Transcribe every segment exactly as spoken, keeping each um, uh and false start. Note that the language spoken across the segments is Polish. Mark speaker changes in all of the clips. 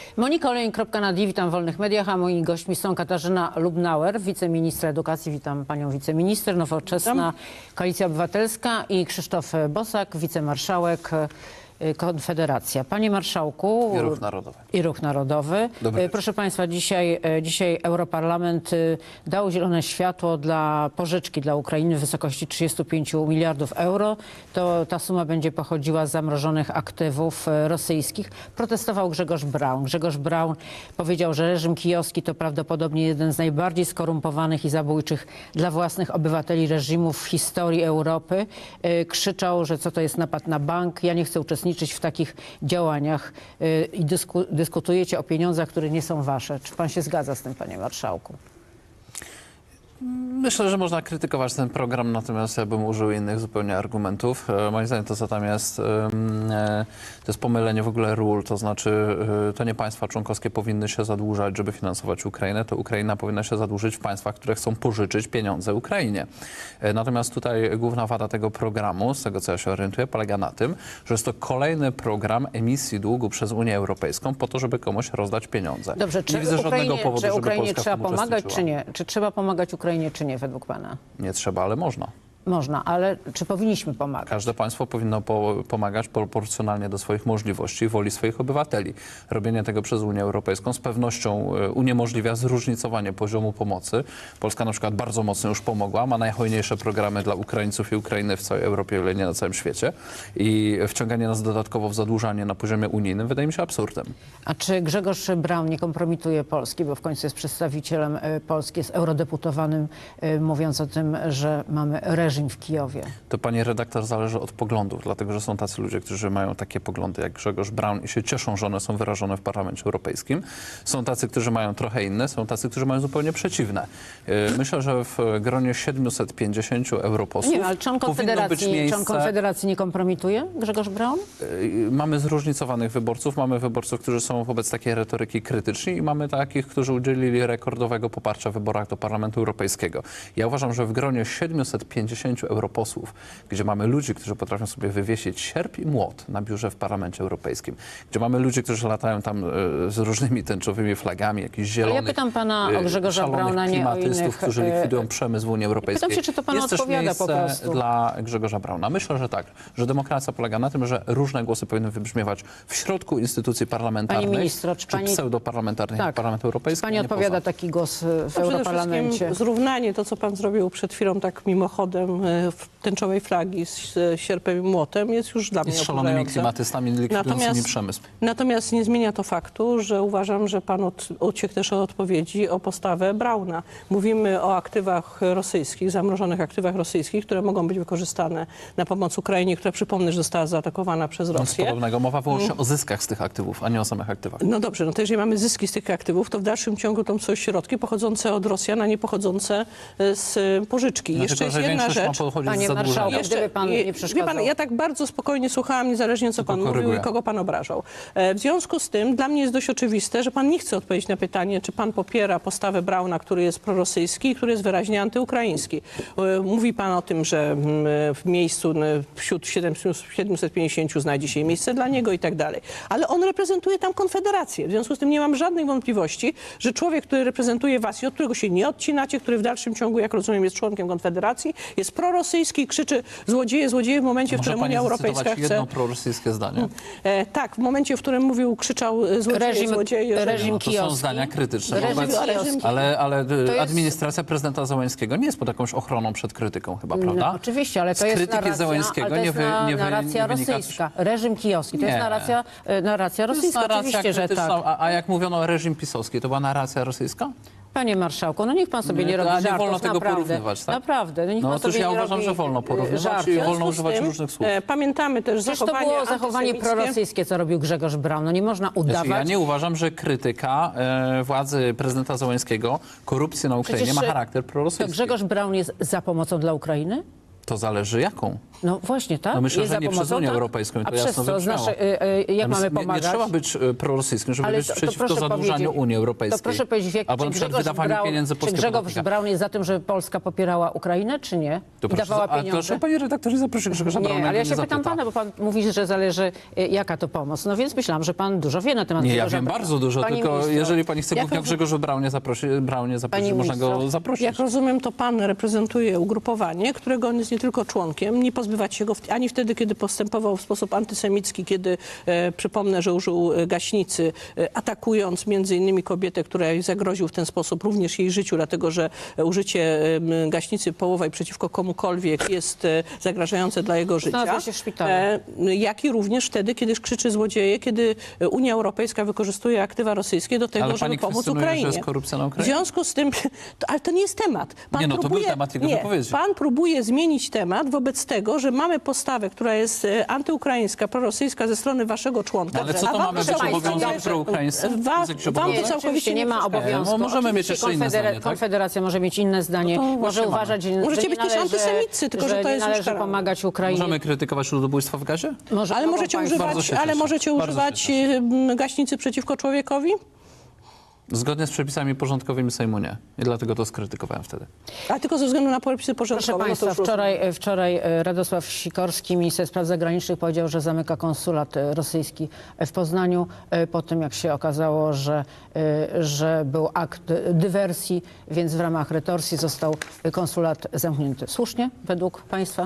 Speaker 1: Monika Olejnik kropka n a d, witam w Wolnych Mediach, a moimi gośćmi są Katarzyna Lubnauer, wiceministra edukacji, witam panią wiceminister, Nowoczesna, Koalicja Obywatelska i Krzysztof Bosak, wicemarszałek, Konfederacja. Panie Marszałku.
Speaker 2: I Ruch Narodowy.
Speaker 1: I Ruch Narodowy.
Speaker 2: Dobry
Speaker 1: Proszę Państwa, dzisiaj, dzisiaj Europarlament dał zielone światło dla pożyczki dla Ukrainy w wysokości trzydziestu pięciu miliardów euro. To ta suma będzie pochodziła z zamrożonych aktywów rosyjskich. Protestował Grzegorz Braun. Grzegorz Braun powiedział, że reżim kijowski to prawdopodobnie jeden z najbardziej skorumpowanych i zabójczych dla własnych obywateli reżimów w historii Europy. Krzyczał, że co to jest napad na bank. Ja nie chcę uczestniczyć w takich działaniach i dysku, dyskutujecie o pieniądzach, które nie są wasze. Czy pan się zgadza z tym, panie marszałku?
Speaker 2: Myślę, że można krytykować ten program, natomiast ja bym użył innych zupełnie argumentów. Moim zdaniem to, co tam jest, to jest pomylenie w ogóle ról, to znaczy to nie państwa członkowskie powinny się zadłużać, żeby finansować Ukrainę, to Ukraina powinna się zadłużyć w państwach, które chcą pożyczyć pieniądze Ukrainie. Natomiast tutaj główna wada tego programu, z tego co ja się orientuję, polega na tym, że jest to kolejny program emisji długu przez Unię Europejską po to, żeby komuś rozdać pieniądze.
Speaker 1: Dobrze, czy
Speaker 2: nie widzę
Speaker 1: Ukrainie,
Speaker 2: żadnego powodu,
Speaker 1: czy Ukrainie
Speaker 2: żeby Polska
Speaker 1: trzeba
Speaker 2: w tym
Speaker 1: pomagać, czy
Speaker 2: uczestniczyła.
Speaker 1: nie? Czy trzeba pomagać Ukrainie, czy nie, według pana?
Speaker 2: Nie trzeba, ale można.
Speaker 1: Można, ale czy powinniśmy pomagać?
Speaker 2: Każde państwo powinno po, pomagać proporcjonalnie do swoich możliwości i woli swoich obywateli. Robienie tego przez Unię Europejską z pewnością uniemożliwia zróżnicowanie poziomu pomocy. Polska na przykład bardzo mocno już pomogła, ma najhojniejsze programy dla Ukraińców i Ukrainy w całej Europie, ale nie na całym świecie. I wciąganie nas dodatkowo w zadłużanie na poziomie unijnym wydaje mi się absurdem.
Speaker 1: A czy Grzegorz Braun nie kompromituje Polski, bo w końcu jest przedstawicielem y, Polski, jest eurodeputowanym, y, mówiąc o tym, że mamy reżim w Kijowie?
Speaker 2: To, pani redaktor, zależy od poglądów, dlatego że są tacy ludzie, którzy mają takie poglądy jak Grzegorz Braun i się cieszą, że one są wyrażone w Parlamencie Europejskim. Są tacy, którzy mają trochę inne, są tacy, którzy mają zupełnie przeciwne. Myślę, że w gronie siedmiuset pięćdziesięciu europosłów
Speaker 1: Nie, ale czy on
Speaker 2: powinno być
Speaker 1: Konfederacji,
Speaker 2: miejsce...
Speaker 1: czy on Konfederacji nie kompromituje, Grzegorz Braun?
Speaker 2: Mamy zróżnicowanych wyborców, mamy wyborców, którzy są wobec takiej retoryki krytyczni i mamy takich, którzy udzielili rekordowego poparcia w wyborach do Parlamentu Europejskiego. Ja uważam, że w gronie siedmiuset pięćdziesięciu europosłów, gdzie mamy ludzi, którzy potrafią sobie wywiesić sierp i młot na biurze w Parlamencie Europejskim, gdzie mamy ludzi, którzy latają tam y, z różnymi tęczowymi flagami, jakichś zielonych,
Speaker 1: Ale ja pytam pana o Grzegorza Brauna, nie o innych...
Speaker 2: którzy likwidują przemysł w Unii Europejskiej.
Speaker 1: Pytam się, czy to pan
Speaker 2: Jest
Speaker 1: odpowiada
Speaker 2: też
Speaker 1: po
Speaker 2: miejsce
Speaker 1: prostu.
Speaker 2: dla Grzegorza Brauna. Myślę, że tak, że demokracja polega na tym, że różne głosy powinny wybrzmiewać w środku instytucji parlamentarnych,
Speaker 1: Pani ministro, czy,
Speaker 2: czy
Speaker 1: pani...
Speaker 2: pseudoparlamentarnych,
Speaker 1: tak.
Speaker 2: jak Parlament Europejski.
Speaker 1: Czy pani odpowiada
Speaker 2: poza.
Speaker 1: taki głos w
Speaker 3: No,
Speaker 1: Europarlamencie?
Speaker 3: przede wszystkim zrównanie, to co pan zrobił przed chwilą tak mimochodem, tęczowej flagi z sierpem i młotem jest już dla mnie
Speaker 2: I z szalonymi
Speaker 3: oburzające.
Speaker 2: klimatystami likwidującymi
Speaker 3: Natomiast-
Speaker 2: przemysł.
Speaker 3: Natomiast nie zmienia to faktu, że uważam, że pan od, uciekł też od odpowiedzi o postawę Brauna. Mówimy o aktywach rosyjskich, zamrożonych aktywach rosyjskich, które mogą być wykorzystane na pomoc Ukrainie, która, przypomnę, że została zaatakowana przez
Speaker 2: Nic
Speaker 3: Rosję.
Speaker 2: podobnego. Mowa wyłącznie o zyskach z tych aktywów, a nie o samych aktywach.
Speaker 3: No dobrze, no to jeżeli mamy zyski z tych aktywów, to w dalszym ciągu to są środki pochodzące od Rosjan, a nie pochodzące z pożyczki.
Speaker 2: Znaczy,
Speaker 3: Jeszcze
Speaker 2: to,
Speaker 3: jest
Speaker 2: że
Speaker 3: jedna
Speaker 2: większość
Speaker 3: rzecz.
Speaker 2: ma pochodzić z
Speaker 1: Panie
Speaker 2: zadłużenia.
Speaker 1: marszałku,
Speaker 3: Jeszcze-
Speaker 1: gdyby pan
Speaker 3: je-
Speaker 1: nie przeszkadzał.
Speaker 3: Wie pan, ja tak bardzo spokojnie słuchałam, niezależnie co pan
Speaker 2: Tylko
Speaker 3: mówił i
Speaker 2: koryguję.
Speaker 3: kogo pan obrażał. E, W związku z tym dla mnie jest dość oczywiste, że pan nie chce odpowiedzieć na pytanie, czy pan popiera postawę Brauna, który jest prorosyjski i który jest wyraźnie antyukraiński. E, Mówi pan o tym, że mm, w miejscu n- wśród siedmiuset pięćdziesięciu znajdzie się miejsce dla niego i tak dalej. Ale on reprezentuje tam Konfederację. W związku z tym nie mam żadnych wątpliwości, że człowiek, który reprezentuje was i od którego się nie odcinacie, który w dalszym ciągu, jak rozumiem, jest członkiem Konfederacji, jest prorosyjski i krzyczy złodzieje, złodzieje w momencie, w
Speaker 2: Może
Speaker 3: którym
Speaker 2: pani
Speaker 3: Unia Europejska
Speaker 2: zacytować
Speaker 3: chce...
Speaker 2: jedno prorosyjskie zdanie?
Speaker 3: E, tak, w momencie, w którym mówił, krzyczał e, złodzieje,
Speaker 1: Reżim-
Speaker 3: złodzieje. że-
Speaker 1: reżim
Speaker 2: No to są
Speaker 1: kijowski.
Speaker 2: zdania krytyczne.
Speaker 1: Reżim
Speaker 2: wobec-
Speaker 1: kijowski.
Speaker 2: ale ale
Speaker 1: To jest-
Speaker 2: administracja prezydenta Zełenskiego nie jest pod jakąś ochroną przed krytyką chyba, prawda?
Speaker 1: No, oczywiście, ale to
Speaker 2: Z
Speaker 1: jest
Speaker 2: krytyki
Speaker 1: narracja,
Speaker 2: Zełenskiego
Speaker 1: ale to jest
Speaker 2: nie wy-
Speaker 1: na,
Speaker 2: nie wy-
Speaker 1: narracja
Speaker 2: nie wynika coś-
Speaker 1: rosyjska. Reżim kijowski. To jest
Speaker 2: Nie.
Speaker 1: narracja, e, narracja
Speaker 2: To jest
Speaker 1: rosyjska.
Speaker 2: narracja
Speaker 1: Oczywiście, że
Speaker 2: krytyczna,
Speaker 1: tak.
Speaker 2: a, a jak mówiono o reżim pisowski, to była narracja rosyjska?
Speaker 1: Panie marszałku, no niech pan sobie
Speaker 2: Nie,
Speaker 1: nie,
Speaker 2: to-
Speaker 1: robi
Speaker 2: a nie
Speaker 1: żartów,
Speaker 2: wolno tego
Speaker 1: naprawdę.
Speaker 2: porównywać, tak?
Speaker 1: Naprawdę, no niech
Speaker 2: No
Speaker 1: pan
Speaker 2: otóż
Speaker 1: sobie
Speaker 2: ja
Speaker 1: nie
Speaker 2: uważam,
Speaker 1: robi
Speaker 2: że wolno
Speaker 1: e,
Speaker 2: porównywać
Speaker 1: żartów.
Speaker 2: i
Speaker 3: W związku
Speaker 2: wolno
Speaker 3: z
Speaker 2: używać
Speaker 3: tym,
Speaker 2: różnych słów.
Speaker 3: e, Pamiętamy też
Speaker 1: Przecież to
Speaker 3: zachowanie
Speaker 1: było zachowanie
Speaker 3: antysemickie.
Speaker 1: prorosyjskie, co robił Grzegorz Braun. No nie można udawać.
Speaker 2: Znaczy, ja nie uważam, że krytyka e, władzy prezydenta Zełenskiego, korupcji na Ukrainie
Speaker 1: Przecież,
Speaker 2: ma
Speaker 1: e,
Speaker 2: charakter
Speaker 1: To
Speaker 2: prorosyjski.
Speaker 1: Grzegorz Braun jest za pomocą dla Ukrainy?
Speaker 2: To zależy jaką.
Speaker 1: No właśnie, tak?
Speaker 2: No myślę,
Speaker 1: Jest
Speaker 2: że
Speaker 1: za
Speaker 2: nie przez
Speaker 1: pomocą,
Speaker 2: Unię
Speaker 1: tak?
Speaker 2: Europejską i to
Speaker 1: A
Speaker 2: jasno
Speaker 1: przez co?
Speaker 2: wybrzmiało.
Speaker 1: Znaczy, y, y, jak
Speaker 2: Ja
Speaker 1: mamy
Speaker 2: myślę, nie,
Speaker 1: pomagać?
Speaker 2: nie trzeba być e, prorosyjskim, żeby
Speaker 1: Ale
Speaker 2: być
Speaker 1: to- to
Speaker 2: przeciwko
Speaker 1: proszę
Speaker 2: zadłużaniu
Speaker 1: powiedzieć-
Speaker 2: Unii Europejskiej.
Speaker 1: To proszę powiedzieć, w jak,
Speaker 2: Albo
Speaker 1: czy
Speaker 2: na przykład
Speaker 1: Grzegorz
Speaker 2: wydawanie
Speaker 1: Braun,
Speaker 2: pieniędzy
Speaker 1: czy
Speaker 2: polskiego
Speaker 1: Grzegorz
Speaker 2: podatnika.
Speaker 1: Braun jest za tym, żeby Polska popierała Ukrainę, czy nie?
Speaker 2: To
Speaker 1: I
Speaker 2: proszę,
Speaker 1: dawała
Speaker 2: a
Speaker 1: pieniądze?
Speaker 2: proszę, panie redaktorze, zaproszę Grzegorza Brauna.
Speaker 1: Nie, ale ja się
Speaker 2: nie
Speaker 1: pytam
Speaker 2: zapyta.
Speaker 1: pana, bo pan mówi, że zależy y, jaka to pomoc. No więc myślałam, że pan dużo wie na temat
Speaker 2: Nie, ja
Speaker 1: Grzegorza
Speaker 2: wiem
Speaker 1: Brauna.
Speaker 2: bardzo dużo,
Speaker 1: Panie
Speaker 2: tylko
Speaker 1: ministrze,
Speaker 2: jeżeli pani chce
Speaker 3: jak
Speaker 2: głównie o
Speaker 3: roz-
Speaker 2: Grzegorzu Braunie zaprosić, Braunie zaprosić
Speaker 1: Panie
Speaker 2: można go
Speaker 1: ministrze,
Speaker 2: zaprosić.
Speaker 3: Jak rozumiem, to pan reprezentuje ugrupowanie, którego on jest nie tylko członkiem, nie pozbywać się go w, ani wtedy, kiedy postępował w sposób antysemicki, kiedy, e, przypomnę, że użył e, gaśnicy, e, atakując między innymi kobietę, która zagroził w ten sposób również jej życiu, dlatego że e, użycie e, gaśnicy połowej przeciwko komukolwiek jest e, zagrażające dla jego życia.
Speaker 1: Znalazła się w szpitalu.
Speaker 3: E, jak i również wtedy, kiedy krzyczy złodzieje, kiedy Unia Europejska wykorzystuje aktywa rosyjskie do tego,
Speaker 2: Ale
Speaker 3: żeby
Speaker 2: pani
Speaker 3: pomóc
Speaker 2: kwestionuje, że
Speaker 3: Ukrainie.
Speaker 2: jest korupcja na
Speaker 3: W
Speaker 2: Ukrainie?
Speaker 3: związku z tym, to, ale to nie jest temat. Pan
Speaker 2: Nie, no to był
Speaker 3: próbuje,
Speaker 2: temat jego
Speaker 3: nie,
Speaker 2: wypowiedzi.
Speaker 3: Pan próbuje zmienić temat wobec tego, że mamy postawę, która jest e, antyukraińska, prorosyjska ze strony waszego członka.
Speaker 2: Ale co
Speaker 3: a
Speaker 2: to
Speaker 3: wam
Speaker 2: mamy
Speaker 3: to
Speaker 2: być
Speaker 3: całkowicie-
Speaker 2: obowiązek proukraińscy?
Speaker 3: Wa-
Speaker 2: Jest jakiś
Speaker 3: wam to
Speaker 2: obowiązek?
Speaker 3: całkowicie
Speaker 1: Oczywiście nie ma
Speaker 3: przeszkadza.
Speaker 1: obowiązku.
Speaker 2: No, możemy mieć
Speaker 1: Oczywiście
Speaker 2: jeszcze inne
Speaker 1: Konfedera-
Speaker 2: zdanie, tak?
Speaker 1: Konfederacja może mieć inne zdanie.
Speaker 2: No to
Speaker 1: może
Speaker 2: właśnie
Speaker 1: uważać, że
Speaker 3: Możecie
Speaker 1: nie
Speaker 3: być też
Speaker 1: należy,
Speaker 3: antysemicy, tylko że to
Speaker 1: nie
Speaker 3: jest już
Speaker 1: należy
Speaker 3: karane.
Speaker 1: pomagać Ukrainie.
Speaker 2: Możemy krytykować ludobójstwa w gazie?
Speaker 1: Może
Speaker 3: Ale
Speaker 1: mogą
Speaker 3: możecie
Speaker 1: państwo-
Speaker 2: Bardzo
Speaker 3: używać,
Speaker 2: się
Speaker 3: ale
Speaker 2: cieszę.
Speaker 3: możecie
Speaker 2: Bardzo się
Speaker 3: używać
Speaker 2: cieszę.
Speaker 3: e, gaśnicy przeciwko człowiekowi?
Speaker 2: Zgodnie z przepisami porządkowymi Sejmu nie. I dlatego to skrytykowałem wtedy.
Speaker 3: A tylko ze względu na przepisy
Speaker 1: Proszę
Speaker 3: porządkowe.
Speaker 1: Państwa,
Speaker 3: no to już
Speaker 1: wczoraj, wczoraj e, Radosław Sikorski, minister spraw zagranicznych, powiedział, że zamyka konsulat e, rosyjski w Poznaniu e, po tym, jak się okazało, że, e, że był akt dywersji, więc w ramach retorsji został konsulat zamknięty. Słusznie według Państwa?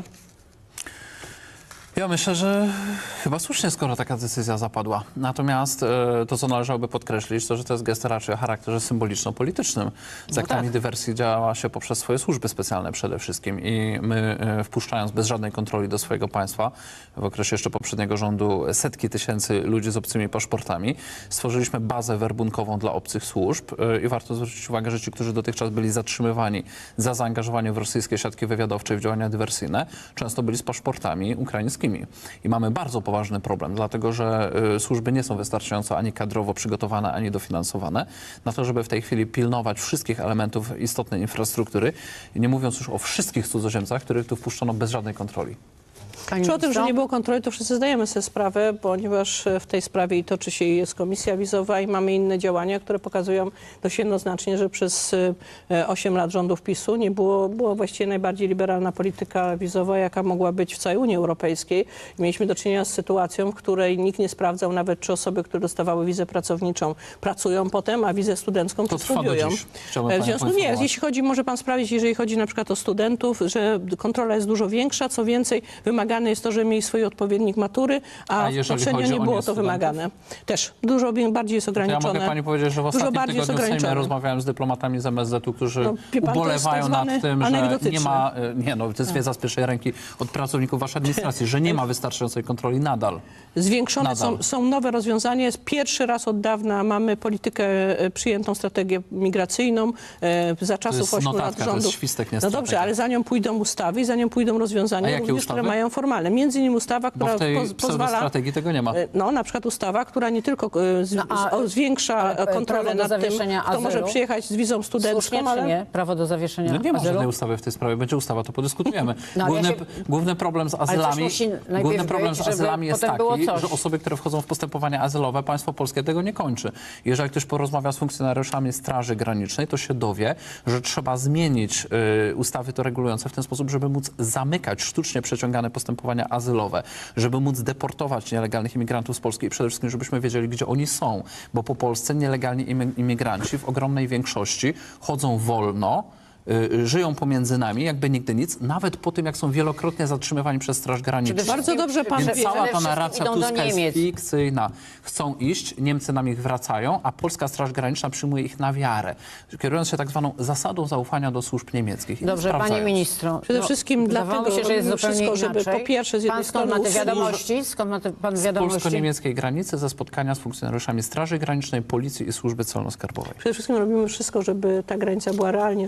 Speaker 2: Ja myślę, że chyba słusznie, skoro taka decyzja zapadła. Natomiast e, to, co należałoby podkreślić, to, że to jest gest raczej o charakterze symboliczno-politycznym. Z
Speaker 1: No
Speaker 2: aktami
Speaker 1: tak.
Speaker 2: dywersji działa się poprzez swoje służby specjalne przede wszystkim i my, e, wpuszczając bez żadnej kontroli do swojego państwa, w okresie jeszcze poprzedniego rządu setki tysięcy ludzi z obcymi paszportami, stworzyliśmy bazę werbunkową dla obcych służb e, i warto zwrócić uwagę, że ci, którzy dotychczas byli zatrzymywani za zaangażowanie w rosyjskie siatki wywiadowcze i w działania dywersyjne, często byli z paszportami ukraińskimi. I mamy bardzo poważny problem, dlatego że y, służby nie są wystarczająco ani kadrowo przygotowane, ani dofinansowane na to, żeby w tej chwili pilnować wszystkich elementów istotnej infrastruktury, i nie mówiąc już o wszystkich cudzoziemcach, których tu wpuszczono bez żadnej kontroli.
Speaker 1: Pani
Speaker 3: Czy o tym, że
Speaker 1: ministro?
Speaker 3: nie było kontroli, to wszyscy zdajemy sobie sprawę, ponieważ w tej sprawie i toczy się i jest komisja wizowa i mamy inne działania, które pokazują dość jednoznacznie, że przez osiem lat rządów PiSu nie było, była właściwie najbardziej liberalna polityka wizowa, jaka mogła być w całej Unii Europejskiej. I mieliśmy do czynienia z sytuacją, w której nikt nie sprawdzał nawet, czy osoby, które dostawały wizę pracowniczą, pracują potem, a wizę studencką
Speaker 2: To
Speaker 3: czy
Speaker 2: trwa do
Speaker 3: studiują.
Speaker 2: dziś. Chciałbym
Speaker 3: E, W
Speaker 2: panią
Speaker 3: związku nie,
Speaker 2: poinformować.
Speaker 3: jeśli chodzi, może pan sprawdzić, jeżeli chodzi na przykład o studentów, że kontrola jest dużo większa, co więcej, wymagane jest to, że mieli swój odpowiednik matury, a,
Speaker 2: A jeżeli
Speaker 3: poprzednio
Speaker 2: chodzi
Speaker 3: nie
Speaker 2: o
Speaker 3: było to
Speaker 2: niestudentów?
Speaker 3: wymagane. Też dużo bi- bardziej jest
Speaker 2: To ja
Speaker 3: ograniczone.
Speaker 2: mogę pani powiedzieć, że w
Speaker 3: Dużo
Speaker 2: ostatnim
Speaker 3: bardziej jest
Speaker 2: tygodniu w Sejmie
Speaker 3: ograniczone.
Speaker 2: rozmawiałem z dyplomatami z M S Z-u, którzy
Speaker 3: No, wie pan, to jest
Speaker 2: ubolewają
Speaker 3: tak
Speaker 2: nad
Speaker 3: zwany
Speaker 2: tym, że
Speaker 3: anegdotyczny.
Speaker 2: nie ma, e, nie no, to jest wiedza z pierwszej ręki od pracowników waszej administracji, że nie ma wystarczającej kontroli nadal.
Speaker 3: Zwiększone
Speaker 2: Nadal.
Speaker 3: są, są nowe rozwiązania. Jest pierwszy raz od dawna mamy politykę, e, przyjętą strategię migracyjną e, za czasów
Speaker 2: jest
Speaker 3: ośmiu
Speaker 2: notatka,
Speaker 3: lat
Speaker 2: to jest
Speaker 3: rządów.
Speaker 2: świstek, nie
Speaker 3: No dobrze,
Speaker 2: strategia.
Speaker 3: ale za nią pójdą ustawy i za nią pójdą
Speaker 2: A
Speaker 3: rozwiązania,
Speaker 2: jakie
Speaker 3: również,
Speaker 2: ustawy?
Speaker 3: które mają formalne. Między innymi ustawa,
Speaker 2: Bo
Speaker 3: która
Speaker 2: w tej
Speaker 3: poz, pozwala...
Speaker 2: pseudostrategii tego nie ma.
Speaker 3: E, No, na przykład ustawa, która nie tylko e, z,
Speaker 1: No, a-
Speaker 3: z, o, zwiększa
Speaker 1: ale, e,
Speaker 3: kontrolę
Speaker 1: prawo do
Speaker 3: nad tym,
Speaker 1: zawieszenia
Speaker 3: kto może
Speaker 1: azylu?
Speaker 3: przyjechać z wizą studencką,
Speaker 1: Słusznie
Speaker 3: ale...
Speaker 1: czy nie? Prawo do zawieszenia
Speaker 2: No nie ma
Speaker 1: azylu?
Speaker 2: żadnej ustawy w tej sprawie. Będzie ustawa, to podyskutujemy.
Speaker 1: No, ale ja
Speaker 2: główny,
Speaker 1: się-
Speaker 2: główny problem z
Speaker 1: coś
Speaker 2: azylami,
Speaker 1: musi najpierw
Speaker 2: główny problem
Speaker 1: być,
Speaker 2: z
Speaker 1: żeby
Speaker 2: azylami jest
Speaker 1: potem było
Speaker 2: taki,
Speaker 1: coś.
Speaker 2: że osoby, które wchodzą w postępowania azylowe, państwo polskie tego nie kończy. Jeżeli ktoś porozmawia z funkcjonariuszami Straży Granicznej, to się dowie, że trzeba zmienić y, ustawy to regulujące w ten sposób, żeby móc zamykać sztucznie przeciągane postępowania azylowe, żeby móc deportować nielegalnych imigrantów z Polski i przede wszystkim, żebyśmy wiedzieli, gdzie oni są. Bo po Polsce nielegalni imy- imigranci w ogromnej większości chodzą wolno, y, żyją pomiędzy nami, jakby nigdy nic, nawet po tym, jak są wielokrotnie zatrzymywani przez Straż Graniczną.
Speaker 1: Przede
Speaker 3: Bardzo dobrze pan
Speaker 2: Więc
Speaker 3: wie.
Speaker 2: cała ta
Speaker 1: wszystkim
Speaker 2: narracja
Speaker 1: idą do
Speaker 2: Tuska jest
Speaker 1: Niemiec.
Speaker 2: fikcyjna. Chcą iść, Niemcy nam ich wracają, a polska Straż Graniczna przyjmuje ich na wiarę, kierując się tak zwaną zasadą zaufania do służb niemieckich. I
Speaker 1: Dobrze,
Speaker 2: sprawdzając.
Speaker 1: panie ministro.
Speaker 3: Przede wszystkim
Speaker 1: wydawało
Speaker 3: dlatego
Speaker 1: mi się, że jest
Speaker 3: robimy
Speaker 1: zupełnie
Speaker 3: wszystko, żeby
Speaker 1: inaczej.
Speaker 3: po pierwsze z jednej
Speaker 1: Pan skąd ma
Speaker 3: strony
Speaker 1: te
Speaker 3: usługi-
Speaker 1: wiadomości? Skąd ma te, pan
Speaker 2: Z
Speaker 1: wiadomości?
Speaker 2: polsko-niemieckiej granicy ze spotkania z funkcjonariuszami Straży Granicznej, Policji i Służby Celno-Skarbowej.
Speaker 3: Przede wszystkim robimy wszystko, żeby ta granica była realnie szczelna.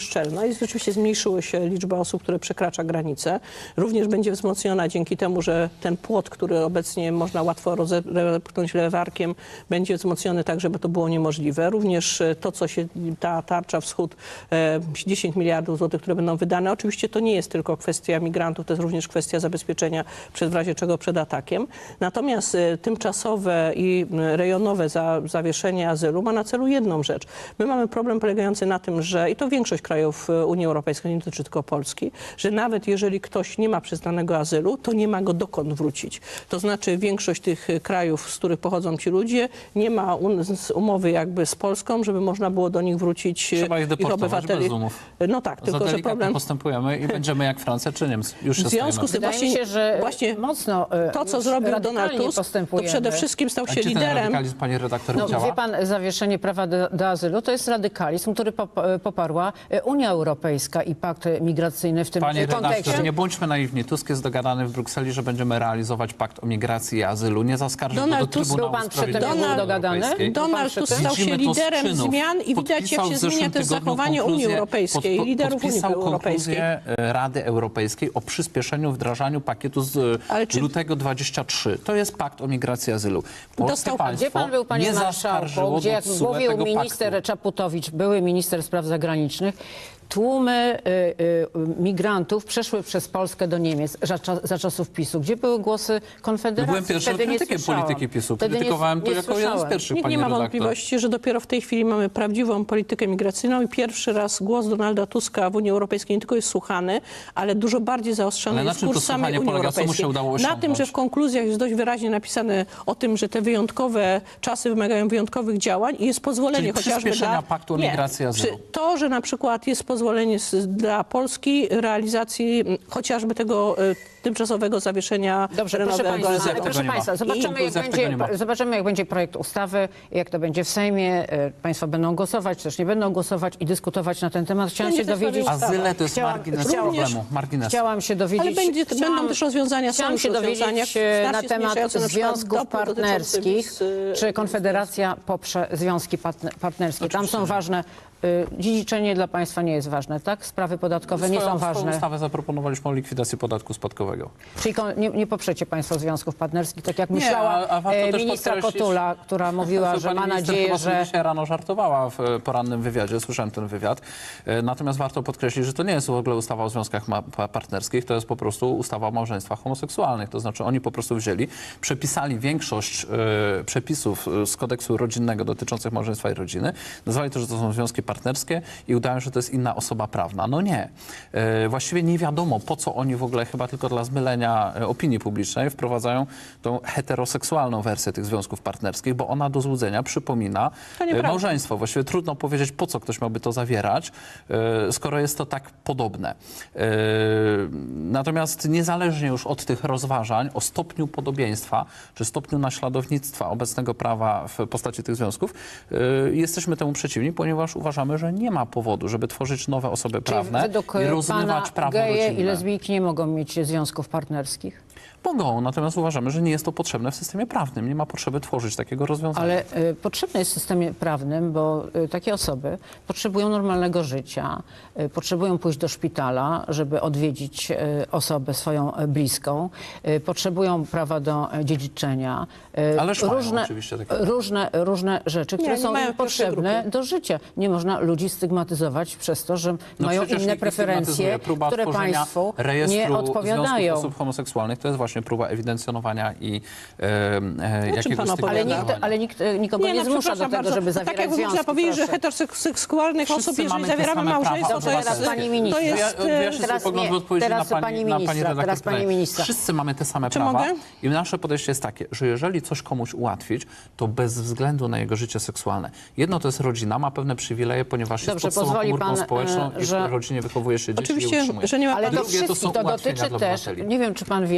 Speaker 3: jest rzeczywiście zmniejszyły się liczba osób, które przekracza granicę. Również będzie wzmocniona dzięki temu, że ten płot, który obecnie można łatwo rozepchnąć lewarkiem, będzie wzmocniony tak, żeby to było niemożliwe. Również to, co się, ta tarcza wschód, dziesięć miliardów złotych, które będą wydane, oczywiście to nie jest tylko kwestia migrantów, to jest również kwestia zabezpieczenia przed, w razie czego przed atakiem. Natomiast tymczasowe i rejonowe za, zawieszenie azylu ma na celu jedną rzecz. My mamy problem polegający na tym, że, i to większość krajów Unii Europejskiej, nie dotyczy tylko Polski, że nawet jeżeli ktoś nie ma przyznanego azylu, to nie ma go dokąd wrócić. To znaczy większość tych krajów, z których pochodzą ci ludzie, nie ma un umowy jakby z Polską, żeby można było do nich wrócić
Speaker 2: Trzeba ich deportować
Speaker 3: obywateli.
Speaker 2: bez umów.
Speaker 3: No tak,
Speaker 2: Za
Speaker 3: tylko że
Speaker 2: delikatnie
Speaker 3: problem...
Speaker 2: postępujemy i będziemy jak Francja czy Niemcy. Już się
Speaker 3: W związku z tym
Speaker 1: Wydaje
Speaker 3: właśnie,
Speaker 1: mi się, że
Speaker 3: właśnie
Speaker 1: mocno e,
Speaker 3: to, co
Speaker 1: już
Speaker 3: zrobił
Speaker 1: radykalnie
Speaker 3: Donald Tusk, to
Speaker 1: postępujemy.
Speaker 3: przede wszystkim stał
Speaker 2: A
Speaker 3: się
Speaker 2: gdzie ten
Speaker 3: liderem.
Speaker 2: radykalizm, pani redaktor,
Speaker 1: No,
Speaker 2: działa?
Speaker 1: wie pan, zawieszenie prawa do, do azylu to jest radykalizm, który pop- poparła Unia Europejska i pakt migracyjny w tym
Speaker 2: Panie
Speaker 1: kontekście.
Speaker 2: redaktor, nie bądźmy naiwni. Tusk jest dogadany w Brukseli, że będziemy realizować pakt o migracji i azylu. Nie zaskarży go do
Speaker 3: Donald Tusk-
Speaker 2: Trybunału
Speaker 1: Był pan przy tym, jak
Speaker 2: Sprawiedliwości
Speaker 1: był dogadany?
Speaker 2: Europejskiej.
Speaker 1: Był pan
Speaker 3: Donald
Speaker 1: przy
Speaker 3: Tusk
Speaker 1: tym?
Speaker 3: stał się
Speaker 2: Widzimy to z
Speaker 3: liderem
Speaker 2: czynów.
Speaker 3: zmian i widać, jak
Speaker 2: Podpisał
Speaker 3: się
Speaker 2: w zeszłym
Speaker 3: zmienia też
Speaker 2: tygodniu
Speaker 3: zachowanie Unii
Speaker 2: konkluzję-
Speaker 3: Europejskiej,
Speaker 2: pod-
Speaker 3: liderów Unii
Speaker 2: podpisał
Speaker 3: Europejskiej.
Speaker 2: konkluzję e, Rady Europejskiej o przyspieszeniu wdrażaniu pakietu z
Speaker 3: Ale czy-
Speaker 2: lutego dwudziestego trzeciego. To jest pakt o migracji i azylu. Polskie
Speaker 3: Dostał-
Speaker 2: państwo
Speaker 1: Gdzie pan był, panie
Speaker 2: nie
Speaker 1: marszałku,
Speaker 2: zaskarżyło
Speaker 1: gdzie
Speaker 2: do
Speaker 1: jak
Speaker 2: T S U E
Speaker 1: mówił
Speaker 2: tego
Speaker 1: minister
Speaker 2: paktu.
Speaker 1: Czaputowicz, były minister spraw zagranicznych, tłumy y, y, migrantów przeszły przez Polskę do Niemiec za, cza- za czasów PiSu. Gdzie były głosy Konfederacji?
Speaker 2: Byłem pierwszym
Speaker 1: Wtedy nie
Speaker 2: krytykiem
Speaker 1: słyszałam.
Speaker 2: polityki PiSu.
Speaker 1: Wtedy nie-
Speaker 2: Krytykowałem to
Speaker 1: nie
Speaker 2: jako jeden z
Speaker 1: słyszałem.
Speaker 2: pierwszych,
Speaker 3: Nikt
Speaker 2: pani
Speaker 3: nie ma
Speaker 2: redaktor.
Speaker 3: wątpliwości, że dopiero w tej chwili mamy prawdziwą politykę migracyjną i pierwszy raz głos Donalda Tuska w Unii Europejskiej nie tylko jest słuchany, ale dużo bardziej zaostrzony
Speaker 2: Ale na
Speaker 3: jest
Speaker 2: czym to
Speaker 3: kurs samej
Speaker 2: słuchanie
Speaker 3: Unii
Speaker 2: polega? Co mu
Speaker 3: Europejskiej.
Speaker 2: się udało
Speaker 3: Na
Speaker 2: osiągnąć?
Speaker 3: tym, że w konkluzjach jest dość wyraźnie napisane o tym, że te wyjątkowe czasy wymagają wyjątkowych działań i jest pozwolenie
Speaker 2: Czyli
Speaker 3: chociażby
Speaker 2: przyspieszenia
Speaker 3: dla...
Speaker 2: paktu o
Speaker 3: Nie.
Speaker 2: migracji i azylu.
Speaker 3: Przy- To, że na przykład jest pozwolenie z, dla Polski realizacji m, chociażby tego y, tymczasowego zawieszenia
Speaker 1: Dobrze, proszę
Speaker 3: terenowego
Speaker 1: Państwa,
Speaker 3: azylu.
Speaker 2: tego
Speaker 1: proszę
Speaker 2: nie ma.
Speaker 1: państwa
Speaker 2: I
Speaker 1: zobaczymy, jak
Speaker 2: konkluzja tego nie ma.
Speaker 1: będzie, zobaczymy, jak będzie projekt ustawy, jak to będzie w Sejmie. E, Państwo będą głosować, też nie będą głosować i dyskutować na ten temat. Chciałam
Speaker 3: Będzie
Speaker 1: się
Speaker 3: też
Speaker 1: dowiedzieć...
Speaker 3: ustawa.
Speaker 2: Azyle to jest
Speaker 1: Chciałam-
Speaker 2: margines
Speaker 1: chciałam-
Speaker 2: problemu. Margines.
Speaker 1: Chciałam się dowiedzieć...
Speaker 3: Ale będzie,
Speaker 1: chciałam,
Speaker 3: będą też rozwiązania, są
Speaker 1: Chciałam
Speaker 3: już
Speaker 1: się
Speaker 3: rozwiązania
Speaker 1: dowiedzieć e, na
Speaker 3: znacznie
Speaker 1: temat
Speaker 3: zmniejszające na przykład
Speaker 1: związków
Speaker 3: dopłat dotyczących
Speaker 1: partnerskich.
Speaker 3: wiz, y,
Speaker 1: Czy Konfederacja poprze związki partne- partnerskie? Tam są ważne... y, Dziedziczenie dla państwa nie jest ważne, tak? Sprawy podatkowe nie
Speaker 2: Swoją-
Speaker 1: są
Speaker 2: swoją
Speaker 1: ważne.
Speaker 2: ustawę zaproponowaliśmy o likwidacji podatku spadkowego.
Speaker 1: Czyli kon- nie, nie poprzecie państwo związków partnerskich, tak jak
Speaker 2: Nie,
Speaker 1: myślała
Speaker 2: a- a warto
Speaker 1: e,
Speaker 2: też
Speaker 1: ministra
Speaker 2: podkreślić-
Speaker 1: Kotula, która mówiła,
Speaker 2: To
Speaker 1: że
Speaker 2: pani
Speaker 1: ma
Speaker 2: minister
Speaker 1: nadzieję,
Speaker 2: chyba sobie
Speaker 1: że...
Speaker 2: dzisiaj rano żartowała w e, porannym wywiadzie, słyszałem ten wywiad. E, Natomiast warto podkreślić, że to nie jest w ogóle ustawa o związkach ma- pa- partnerskich, to jest po prostu ustawa o małżeństwach homoseksualnych. To znaczy oni po prostu wzięli, przepisali większość e, przepisów e, z kodeksu rodzinnego dotyczących małżeństwa i rodziny, nazwali to, że to są związki partnerskie i udają, że to jest inna osoba prawna. No nie. E, Właściwie nie wiadomo, po co oni w ogóle, chyba tylko dla zmylenia e, opinii publicznej, wprowadzają tą heteroseksualną wersję tych związków partnerskich, bo ona do złudzenia przypomina
Speaker 3: To
Speaker 2: e,
Speaker 3: nieprawda.
Speaker 2: małżeństwo. Właściwie trudno powiedzieć, po co ktoś miałby to zawierać, e, skoro jest to tak podobne. E, Natomiast niezależnie już od tych rozważań o stopniu podobieństwa, czy stopniu naśladownictwa obecnego prawa w postaci tych związków, e, jesteśmy temu przeciwni, ponieważ uważamy, że nie ma powodu, żeby tworzyć nowe osoby
Speaker 1: Czyli
Speaker 2: prawne
Speaker 1: według
Speaker 2: i
Speaker 1: pana
Speaker 2: rozmywać prawo
Speaker 1: geje i
Speaker 2: rodzinne.
Speaker 1: lesbijki nie mogą mieć związków partnerskich?
Speaker 2: Mogą, natomiast uważamy, że nie jest to potrzebne w systemie prawnym. Nie ma potrzeby tworzyć takiego rozwiązania.
Speaker 1: Ale y, potrzebne jest w systemie prawnym, bo y, takie osoby potrzebują normalnego życia, y, potrzebują pójść do szpitala, żeby odwiedzić y, osobę swoją y, bliską, y, potrzebują prawa do y, dziedziczenia, y,
Speaker 2: Ależ mają
Speaker 1: różne,
Speaker 2: oczywiście takie-
Speaker 1: różne, różne rzeczy, które
Speaker 3: nie
Speaker 1: są
Speaker 3: mają
Speaker 1: im
Speaker 3: pierwszej
Speaker 1: potrzebne
Speaker 3: grupy.
Speaker 1: do życia. Nie można ludzi stygmatyzować przez to, że
Speaker 2: No
Speaker 1: mają
Speaker 2: przecież
Speaker 1: inne
Speaker 2: nikt nie
Speaker 1: preferencje,
Speaker 2: stygmatyzuje. Próba
Speaker 1: które
Speaker 2: tworzenia
Speaker 1: państwu
Speaker 2: rejestru
Speaker 1: nie
Speaker 2: związków
Speaker 1: odpowiadają.
Speaker 2: osób homoseksualnych to jest właśnie próba ewidencjonowania i e, e, jakiegoś
Speaker 3: pan
Speaker 2: typu
Speaker 3: opowiada?
Speaker 1: Ale nikt,
Speaker 2: działania.
Speaker 1: ale nikt e, nikogo nie,
Speaker 3: no,
Speaker 1: zmusza do
Speaker 3: przepraszam
Speaker 1: tego,
Speaker 3: bardzo.
Speaker 1: żeby
Speaker 3: To
Speaker 1: zawierać
Speaker 3: tak jak
Speaker 1: związki.
Speaker 3: można powiedzieć, że
Speaker 1: proszę.
Speaker 3: heteroseksualnych
Speaker 2: Wszyscy
Speaker 3: osób, jeżeli
Speaker 2: mamy te
Speaker 3: zawieramy
Speaker 2: same prawa
Speaker 3: małżeństwo, to
Speaker 1: Dobrze,
Speaker 3: jest...
Speaker 1: teraz pani
Speaker 3: To
Speaker 1: minister.
Speaker 3: jest...
Speaker 2: Ja wyjaśnię
Speaker 1: Teraz
Speaker 2: swój pogląd
Speaker 1: nie,
Speaker 2: w odpowiedzi
Speaker 1: teraz
Speaker 2: na pani,
Speaker 1: pani
Speaker 2: na pani
Speaker 1: ministra,
Speaker 2: redaktor
Speaker 1: teraz pani
Speaker 2: Kraj.
Speaker 1: ministra.
Speaker 2: Wszyscy mamy te same
Speaker 3: Czy
Speaker 2: prawa
Speaker 3: mogę?
Speaker 2: i nasze podejście jest takie, że jeżeli coś komuś ułatwić, to bez względu na jego życie seksualne. Jedno to jest rodzina, ma pewne przywileje, ponieważ
Speaker 1: Dobrze,
Speaker 2: jest podstawową
Speaker 1: pozwoli
Speaker 2: komórką
Speaker 1: pan,
Speaker 2: społeczną
Speaker 1: e,
Speaker 2: i
Speaker 1: że-
Speaker 2: w rodzinie wychowuje się dzieci i
Speaker 3: Oczywiście,
Speaker 2: utrzymuje.
Speaker 3: że nie ma
Speaker 1: Ale
Speaker 3: pan...
Speaker 1: to
Speaker 2: Drugie to są
Speaker 1: wszystkich, to
Speaker 2: ułatwienia
Speaker 1: dotyczy
Speaker 2: dla
Speaker 1: też,
Speaker 2: obywateli.
Speaker 1: nie wiem, czy pan wie, że ludzie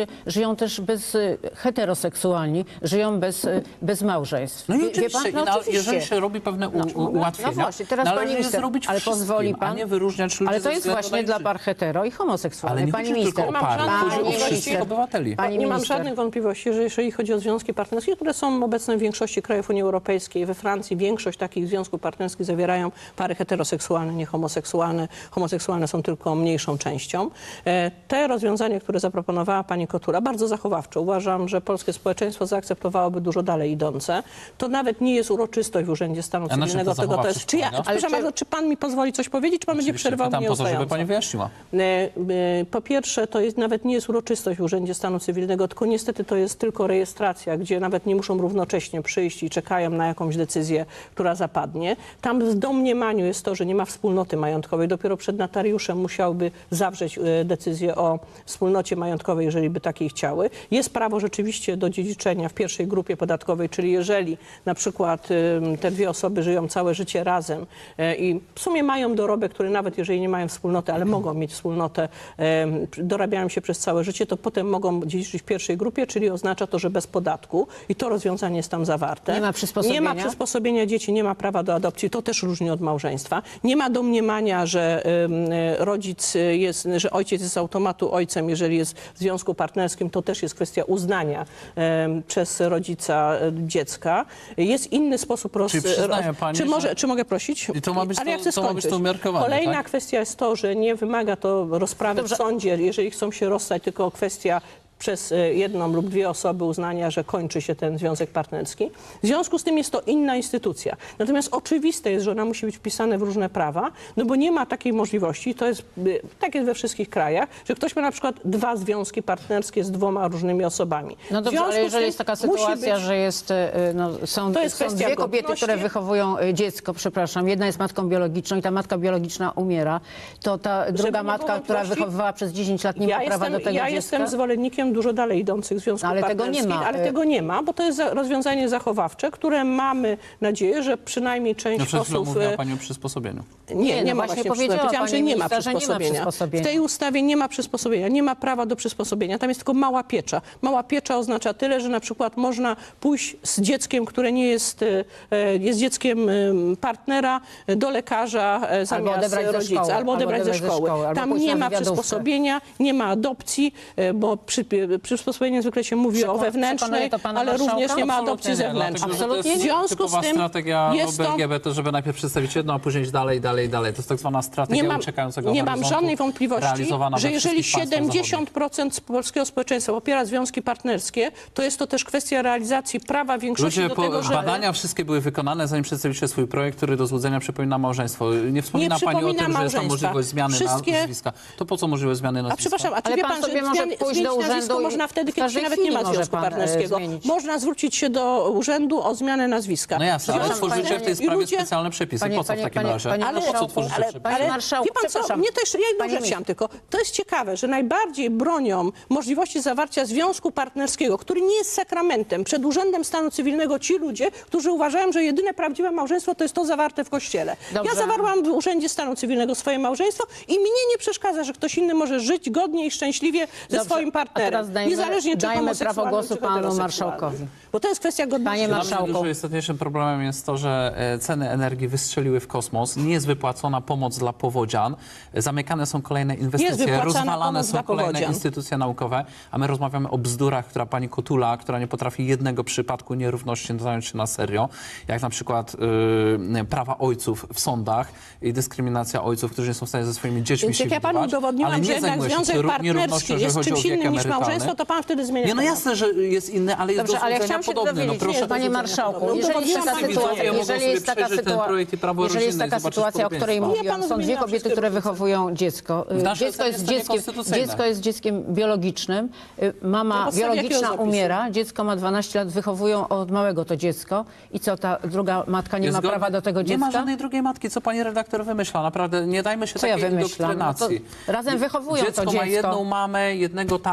Speaker 1: ludzie żyją też bez y, heteroseksualni, żyją bez, y, bez małżeństw.
Speaker 2: No i
Speaker 1: Wie- wie
Speaker 2: oczywiście,
Speaker 1: pan?
Speaker 2: i na,
Speaker 1: oczywiście.
Speaker 2: jeżeli się robi pewne u, u, ułatwienia,
Speaker 1: No właśnie, teraz
Speaker 2: należy
Speaker 1: pani
Speaker 2: je
Speaker 1: minister,
Speaker 2: zrobić
Speaker 1: ale
Speaker 2: wszystkim,
Speaker 1: pozwoli pan,
Speaker 2: a nie wyróżniać ludzi
Speaker 1: ale to
Speaker 2: ze
Speaker 1: jest
Speaker 2: względu
Speaker 1: właśnie
Speaker 2: na
Speaker 1: dla
Speaker 2: ich
Speaker 1: par hetero i homoseksualnych.
Speaker 2: Ale nie
Speaker 1: Pani
Speaker 2: chodzi
Speaker 1: minister,
Speaker 2: tylko o
Speaker 3: Mam
Speaker 2: pary,
Speaker 3: żadnych
Speaker 2: chodzi o
Speaker 3: wątpliwości.
Speaker 2: wszystkich obywateli.
Speaker 1: Pani
Speaker 3: Nie mam
Speaker 1: minister.
Speaker 3: żadnych wątpliwości, że jeżeli chodzi o związki partnerskie, które są obecne w większości krajów Unii Europejskiej, we Francji większość takich związków partnerskich zawierają pary heteroseksualne, nie homoseksualne. Homoseksualne są tylko mniejszą częścią. E, Te rozwiązania, które zaproponowała pani Kotula, bardzo zachowawcze. Uważam, że polskie społeczeństwo zaakceptowałoby dużo dalej idące. To nawet nie jest uroczystość w Urzędzie Stanu
Speaker 2: na czym to
Speaker 3: Cywilnego, tego to
Speaker 2: zachowawczość
Speaker 3: jest... Czy ja,
Speaker 2: polega?
Speaker 3: przepraszam
Speaker 1: Ale czy-
Speaker 3: bardzo, czy pan mi pozwoli coś powiedzieć, czy pan będzie
Speaker 2: Oczywiście
Speaker 3: przerwał
Speaker 2: pytam
Speaker 3: mnie
Speaker 2: po to, żeby
Speaker 3: ustająco?
Speaker 2: pani wyjaśniła.
Speaker 3: E, e, Po pierwsze, to jest, nawet nie jest uroczystość w Urzędzie Stanu Cywilnego, tylko niestety to jest tylko rejestracja, gdzie nawet nie muszą równocześnie przyjść i czekają na jakąś decyzję, która zapadnie. Tam w domniemaniu jest to, że nie ma wspólnoty majątkowej. Dopiero przed notariuszem musiałby zawrzeć e, decyzję o wspólnocie majątkowej, jeżeli by takiej chciały. Jest prawo rzeczywiście do dziedziczenia w pierwszej grupie podatkowej, czyli jeżeli na przykład e, te dwie osoby żyją całe życie razem e, i w sumie mają dorobek, który nawet jeżeli nie mają wspólnoty, ale mogą mieć wspólnotę, e, dorabiają się przez całe życie, to potem mogą dziedziczyć w pierwszej grupie, czyli oznacza to, że bez podatku i to rozwiązanie jest tam zawarte.
Speaker 1: Nie ma przysposobienia?
Speaker 3: Nie ma przysposobienia dzieci, nie ma prawa do adopcji, to też różni od małżeństwa. Nie ma domniemania, że ym, y, rodzic jest, że ojciec jest z automatu ojcem, jeżeli jest w związku partnerskim, to też jest kwestia uznania ym, przez rodzica y, dziecka. Jest inny sposób roz...
Speaker 2: Czyli przyznaje pani,
Speaker 3: czy, może,
Speaker 2: że-
Speaker 3: czy mogę prosić?
Speaker 2: I to ma być
Speaker 3: Ale ja
Speaker 2: to-
Speaker 3: chcę
Speaker 2: to ma być
Speaker 3: skończyć.
Speaker 2: to umiarkowane,
Speaker 3: Kolejna
Speaker 2: tak?
Speaker 3: kwestia jest to, że nie wymaga to rozprawy
Speaker 1: Dobrze.
Speaker 3: w sądzie, jeżeli chcą się rozstać, tylko kwestia przez e, jedną lub dwie osoby uznania, że kończy się ten związek partnerski. W związku z tym jest to inna instytucja. Natomiast oczywiste jest, że ona musi być wpisana w różne prawa, no bo nie ma takiej możliwości, to jest, y, tak jest we wszystkich krajach, że ktoś ma na przykład dwa związki partnerskie z dwoma różnymi osobami.
Speaker 1: No
Speaker 3: W
Speaker 1: dobrze,
Speaker 3: związku
Speaker 1: ale
Speaker 3: z
Speaker 1: jeżeli
Speaker 3: tym
Speaker 1: jest taka
Speaker 3: musi
Speaker 1: sytuacja,
Speaker 3: być-
Speaker 1: że jest, y, no, są,
Speaker 3: To jest
Speaker 1: są
Speaker 3: kwestia
Speaker 1: dwie kobiety,
Speaker 3: godności.
Speaker 1: które wychowują y, dziecko, przepraszam, jedna jest matką biologiczną i ta matka biologiczna umiera, to ta druga
Speaker 3: nie
Speaker 1: matka,
Speaker 3: było
Speaker 1: która
Speaker 3: wątpliwości,
Speaker 1: wychowywała przez dziesięć lat, nie
Speaker 3: ja
Speaker 1: ma prawa
Speaker 3: jestem,
Speaker 1: do tego
Speaker 3: ja
Speaker 1: dziecka?
Speaker 3: jestem zwolennikiem dużo dalej idących związków
Speaker 1: Ale tego nie
Speaker 3: partnerskich,
Speaker 1: ma.
Speaker 3: ale tego nie ma, bo to jest za- rozwiązanie zachowawcze, które mamy nadzieję, że przynajmniej część
Speaker 2: No przed chwilą
Speaker 3: osób...
Speaker 2: mówiła
Speaker 3: e,
Speaker 2: pani o przysposobieniu.
Speaker 3: Nie,
Speaker 1: Nie,
Speaker 3: nie,
Speaker 1: no
Speaker 3: ma
Speaker 1: właśnie
Speaker 3: właśnie
Speaker 1: powiedziała
Speaker 3: przysposobienia. Powiedziałam,
Speaker 1: pani
Speaker 3: że nie ma
Speaker 1: minister, że nie ma
Speaker 3: przysposobienia.
Speaker 1: przysposobienia.
Speaker 3: W tej ustawie nie ma przysposobienia, nie ma prawa do przysposobienia. Tam jest tylko mała piecza. Mała piecza oznacza tyle, że na przykład można pójść z dzieckiem, które nie jest, e, jest dzieckiem e, partnera, e, do lekarza e, zamiast
Speaker 1: odebrać ze
Speaker 3: rodzica.
Speaker 1: szkoły,
Speaker 3: Albo odebrać ze szkoły.
Speaker 1: albo
Speaker 3: Tam
Speaker 1: pójść
Speaker 3: nie
Speaker 1: na
Speaker 3: ma
Speaker 1: wywiadówkę.
Speaker 3: przysposobienia, nie ma adopcji, e, bo przy, przysposobienie zwykle się mówi
Speaker 1: Przekon-
Speaker 3: o wewnętrznej,
Speaker 1: przekonuje to pana
Speaker 3: ale
Speaker 1: marszałka?
Speaker 3: również nie ma
Speaker 2: Absolutnie
Speaker 3: adopcji
Speaker 2: nie, dlatego,
Speaker 3: zewnętrznej.
Speaker 2: że to
Speaker 1: Absolutnie
Speaker 2: jest
Speaker 3: W związku
Speaker 2: typowa
Speaker 3: z tym
Speaker 2: strategia
Speaker 3: jest to-
Speaker 2: L G B T, żeby najpierw przedstawić jedno, a później iść dalej, dalej, dalej. To jest tak zwana strategia
Speaker 3: Nie mam,
Speaker 2: uciekającego
Speaker 3: nie mam
Speaker 2: horyzontu,
Speaker 3: żadnej wątpliwości,
Speaker 2: realizowana
Speaker 3: że
Speaker 2: we
Speaker 3: jeżeli
Speaker 2: wszystkich państwach
Speaker 3: siedemdziesiąt procent polskiego społeczeństwa popiera związki partnerskie, to jest to też kwestia realizacji prawa większości
Speaker 2: Ludzie,
Speaker 3: do
Speaker 2: po,
Speaker 3: tego, że...
Speaker 2: badania wszystkie były wykonane, zanim przedstawiliście swój projekt, który do złudzenia przypomina małżeństwo. Nie wspomina
Speaker 3: Nie
Speaker 2: pani o
Speaker 3: przypomina
Speaker 2: tym, że jest tam
Speaker 3: małżeństwa.
Speaker 2: możliwość zmiany
Speaker 3: Wszystkie-
Speaker 2: nazwiska. To po co możliwość zmiany
Speaker 3: A
Speaker 2: nazwiska?
Speaker 3: przepraszam, a czy
Speaker 1: Ale
Speaker 3: wie
Speaker 1: pan
Speaker 3: pan,
Speaker 1: sobie
Speaker 3: że
Speaker 1: może
Speaker 3: zmian-
Speaker 1: pójść do
Speaker 3: zmienić nazwisko
Speaker 1: urzędu i
Speaker 3: można wtedy,
Speaker 1: w
Speaker 3: kiedy się
Speaker 1: każdej
Speaker 3: nawet nie
Speaker 1: chwili
Speaker 3: ma
Speaker 1: może
Speaker 3: związku
Speaker 1: pan, e,
Speaker 3: partnerskiego.
Speaker 1: zmienić.
Speaker 3: Można zwrócić się do urzędu o zmianę nazwiska.
Speaker 2: No jasne, ale
Speaker 1: Przepraszam,
Speaker 2: tworzycie w tej
Speaker 1: panie-
Speaker 2: sprawie
Speaker 3: i ludzie-
Speaker 2: specjalne przepisy.
Speaker 1: Panie-
Speaker 2: po co w
Speaker 1: panie-
Speaker 2: takim
Speaker 1: panie-
Speaker 2: razie?
Speaker 1: panie
Speaker 2: Po co
Speaker 1: marszałku,
Speaker 2: tworzycie
Speaker 1: ale-
Speaker 2: przepisy?
Speaker 1: Panie marszałku,
Speaker 3: wie pan co,
Speaker 1: przepraszam.
Speaker 3: mnie to jeszcze, ja jedną
Speaker 1: Panie
Speaker 3: rzecz
Speaker 1: mi-
Speaker 3: chciałam tylko. To jest ciekawe, że najbardziej bronią możliwości zawarcia związku partnerskiego, który nie jest sakramentem, przed Urzędem Stanu Cywilnego ci ludzie, którzy uważają, że jedyne prawdziwe małżeństwo to jest to zawarte w kościele.
Speaker 1: Dobrze.
Speaker 3: Ja zawarłam w Urzędzie Stanu Cywilnego swoje małżeństwo i mnie nie przeszkadza, że ktoś inny może żyć godnie i szczęśliwie ze
Speaker 1: Dobrze,
Speaker 3: swoim
Speaker 1: a
Speaker 3: partnerem.
Speaker 1: teraz dajmy-
Speaker 3: niezależnie czy
Speaker 1: dajmy prawo
Speaker 3: homoseksualnym,
Speaker 1: głosu
Speaker 3: czy
Speaker 1: panu
Speaker 3: heteroseksualnym.
Speaker 1: marszałkowi.
Speaker 3: Bo to jest kwestia godności.
Speaker 1: Panie
Speaker 2: Dla mnie
Speaker 1: marszałku.
Speaker 2: dużo istotniejszym problemem jest to, że e, ceny energii wystrzeliły w kosmos, nie jest wypłacona pomoc dla powodzian, e, zamykane są kolejne inwestycje,
Speaker 3: wypłacana
Speaker 2: rozwalane
Speaker 3: pomoc
Speaker 2: są
Speaker 3: dla
Speaker 2: kolejne
Speaker 3: powodzian.
Speaker 2: instytucje naukowe, a my rozmawiamy o bzdurach, która pani Kotula, która nie potrafi jednego przypadku nierówności zająć się na serio, jak na przykład e, prawa ojców w sądach i dyskryminacja ojców, którzy nie są w stanie ze swoimi dziećmi
Speaker 3: Więc
Speaker 2: się
Speaker 3: jak ja panu
Speaker 2: widywać, ale
Speaker 3: udowodniłam,
Speaker 2: nie
Speaker 3: że jednak
Speaker 2: zajmuje się
Speaker 3: związek
Speaker 2: nieró- nierównością,
Speaker 3: partnerski
Speaker 2: jeżeli
Speaker 3: jest
Speaker 2: chodzi o
Speaker 3: czymś
Speaker 2: wiek
Speaker 3: innym niż
Speaker 2: emerytalny.
Speaker 3: małżeństwo, to pan wtedy zmienia
Speaker 2: Nie, no
Speaker 3: temat.
Speaker 2: jasne, że jest inny, ale jest
Speaker 1: Dobrze,
Speaker 2: do
Speaker 1: ale
Speaker 2: złudzenia
Speaker 1: chciałam się
Speaker 2: podobny. No
Speaker 1: dowiedzieć,
Speaker 2: proszę
Speaker 1: panie
Speaker 3: do
Speaker 1: marszałku,
Speaker 3: No,
Speaker 1: jeżeli jest taka
Speaker 3: udowodniłam,
Speaker 1: sytuacja,
Speaker 2: widzowie mogą
Speaker 1: jeżeli
Speaker 2: sobie
Speaker 1: jest taka
Speaker 2: przejrzeć ten
Speaker 1: sytuacja,
Speaker 2: projekt i prawo
Speaker 1: jeżeli jest
Speaker 2: rodzinne i
Speaker 1: taka
Speaker 2: zobaczyć
Speaker 1: sytuacja, o której
Speaker 2: podobieństwa.
Speaker 3: Ja
Speaker 1: mówiłam,
Speaker 3: panu
Speaker 1: są dwie
Speaker 3: wymieniłam
Speaker 1: kobiety,
Speaker 3: wszystkie
Speaker 1: które
Speaker 3: różnice.
Speaker 1: wychowują dziecko.
Speaker 2: W naszej
Speaker 1: Dziecko
Speaker 2: ocenie
Speaker 1: jest
Speaker 2: jest to
Speaker 1: dzieckiem,
Speaker 2: niekonstytucyjne.
Speaker 1: dziecko jest dzieckiem biologicznym. Y,
Speaker 3: Na
Speaker 1: Mama
Speaker 3: podstawie jakiego
Speaker 1: biologiczna
Speaker 3: zapisu?
Speaker 1: umiera, dziecko ma dwanaście lat, wychowują od małego to dziecko. I co, ta druga matka nie
Speaker 2: Jest
Speaker 1: ma
Speaker 2: zgodny-
Speaker 1: prawa do tego
Speaker 2: Nie ma
Speaker 1: dziecka?
Speaker 2: żadnej drugiej matki, co pani redaktor wymyśla. Naprawdę nie dajmy się
Speaker 1: Co ja
Speaker 2: takiej
Speaker 1: wymyślam? No to
Speaker 2: indoktrynacji.
Speaker 1: razem wychowują to
Speaker 2: Dziecko ma
Speaker 1: dziecko.
Speaker 2: jedną mamę, jednego tatę,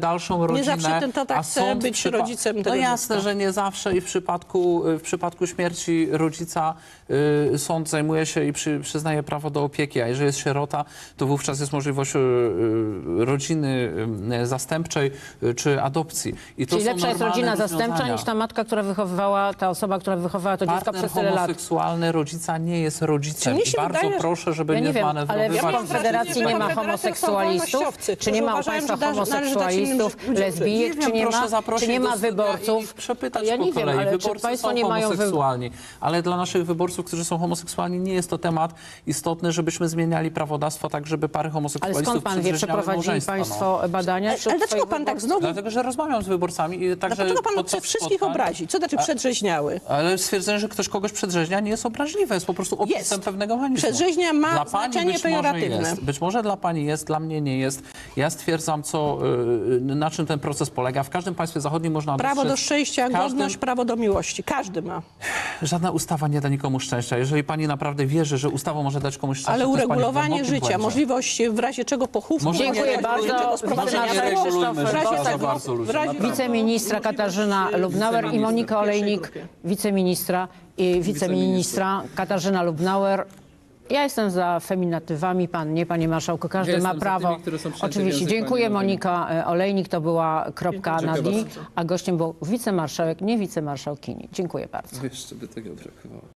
Speaker 2: dalszą rodzinę.
Speaker 3: zawsze ten tata
Speaker 2: a
Speaker 3: chce
Speaker 2: sąd w
Speaker 3: być
Speaker 2: przypa-
Speaker 3: rodzicem
Speaker 2: No
Speaker 3: tego
Speaker 2: jasne,
Speaker 3: dziecka.
Speaker 2: że nie zawsze i w przypadku, w przypadku śmierci rodzica y, sąd zajmuje się i przy, przyznaje prawo do opieki, a jeżeli jest sierota, to wówczas jest możliwość y, y, rodziny y, zastępczej y, czy adopcji. I to
Speaker 1: Czyli
Speaker 2: są
Speaker 1: lepsza jest
Speaker 2: normalne
Speaker 1: rodzina zastępcza
Speaker 2: rozwiązania.
Speaker 1: niż ta matka, która wychowywała, ta osoba, która wychowała to dziecko
Speaker 2: Partner
Speaker 1: przez tyle lat.
Speaker 2: homoseksualny rodzica nie jest rodzicem.
Speaker 3: Czy mi
Speaker 2: I
Speaker 3: się
Speaker 2: bardzo
Speaker 3: wydaje, że-
Speaker 2: proszę, żeby
Speaker 1: Ja
Speaker 2: nie,
Speaker 1: nie wiem, ale w
Speaker 2: zmanewrowywać.
Speaker 1: Konfederacji nie ma homoseksualistów? Czy nie ma u państwa homoseksualistów, lesbijek, czy nie ma, czy nie ma wyborców?
Speaker 2: Przepytać
Speaker 1: Ja
Speaker 2: po
Speaker 1: nie wiem,
Speaker 2: kolei.
Speaker 1: ale czy
Speaker 2: Wyborcy
Speaker 1: państwo
Speaker 2: są
Speaker 1: nie mają wy...
Speaker 2: homoseksualni, ale dla naszych wyborców, którzy są homoseksualni, nie jest to temat istotny, żebyśmy zmieniali prawodawstwo tak, żeby pary
Speaker 1: Ale
Speaker 2: homoseksualistów
Speaker 1: skąd pan wie,
Speaker 2: przedrzeźniały
Speaker 1: przeprowadzili
Speaker 2: małżeństwa, no.
Speaker 1: państwo badania? wśród
Speaker 3: Ale dlaczego
Speaker 1: swoich
Speaker 3: pan tak
Speaker 1: wyborców?
Speaker 3: znowu...
Speaker 2: Dlatego, że rozmawiam z wyborcami i także
Speaker 3: Dlaczego pan
Speaker 2: podczas
Speaker 3: chce wszystkich
Speaker 2: spotkań-
Speaker 3: obrazić? Co znaczy przedrzeźniały?
Speaker 2: Ale stwierdzenie, że ktoś kogoś przedrzeźnia, nie jest obraźliwe, jest po prostu opisem
Speaker 3: Jest.
Speaker 2: pewnego mechanizmu.
Speaker 3: Przedrzeźnia ma
Speaker 2: Dla pani
Speaker 3: znaczenie
Speaker 2: być może
Speaker 3: pejoratywne.
Speaker 2: jest. Być może dla pani jest, dla mnie nie jest. Ja stwierdzam, co, y, na czym ten proces polega. W każdym państwie zachodnim można
Speaker 3: Prawo do
Speaker 2: dostrzec-
Speaker 3: szczęścia,
Speaker 2: w każdym-
Speaker 3: godność, prawo do miłości. Każdy ma.
Speaker 2: Żadna ustawa nie da nikomu szczęścia. Jeżeli pani naprawdę wierzy, że ustawa może dać komuś szczęście,
Speaker 3: Ale
Speaker 2: to jest pani w
Speaker 3: uregulowanie
Speaker 2: głębokim
Speaker 3: życia,
Speaker 2: błędzie.
Speaker 3: możliwość w razie czego pochówku.
Speaker 2: Może
Speaker 3: w
Speaker 1: Dziękuję
Speaker 3: razie
Speaker 1: bardzo.
Speaker 3: czego
Speaker 1: Może
Speaker 3: sprowadzenia
Speaker 1: nie
Speaker 3: ciała,
Speaker 2: regulujmy
Speaker 3: w razie
Speaker 2: życia za
Speaker 3: tego-
Speaker 2: bardzo ludziom,
Speaker 3: w razie
Speaker 2: naprawdę.
Speaker 1: Wiceministra Katarzyna Lubnauer i Monika Olejnik, wiceministra i wiceministra Katarzyna Lubnauer. Ja jestem za feminatywami, pan nie, panie marszałku, każdy
Speaker 4: Ja
Speaker 1: ma
Speaker 4: jestem za
Speaker 1: prawo.
Speaker 4: tymi, które są przyjęte w
Speaker 1: Oczywiście,
Speaker 4: język
Speaker 1: dziękuję.
Speaker 4: pani
Speaker 1: Monika e, Olejnik, to była kropka na
Speaker 4: Dziękuję
Speaker 1: D,
Speaker 4: bardzo.
Speaker 1: a gościem był wicemarszałek, nie wicemarszałkini. Dziękuję bardzo.
Speaker 4: Jeszcze by tego brakowało.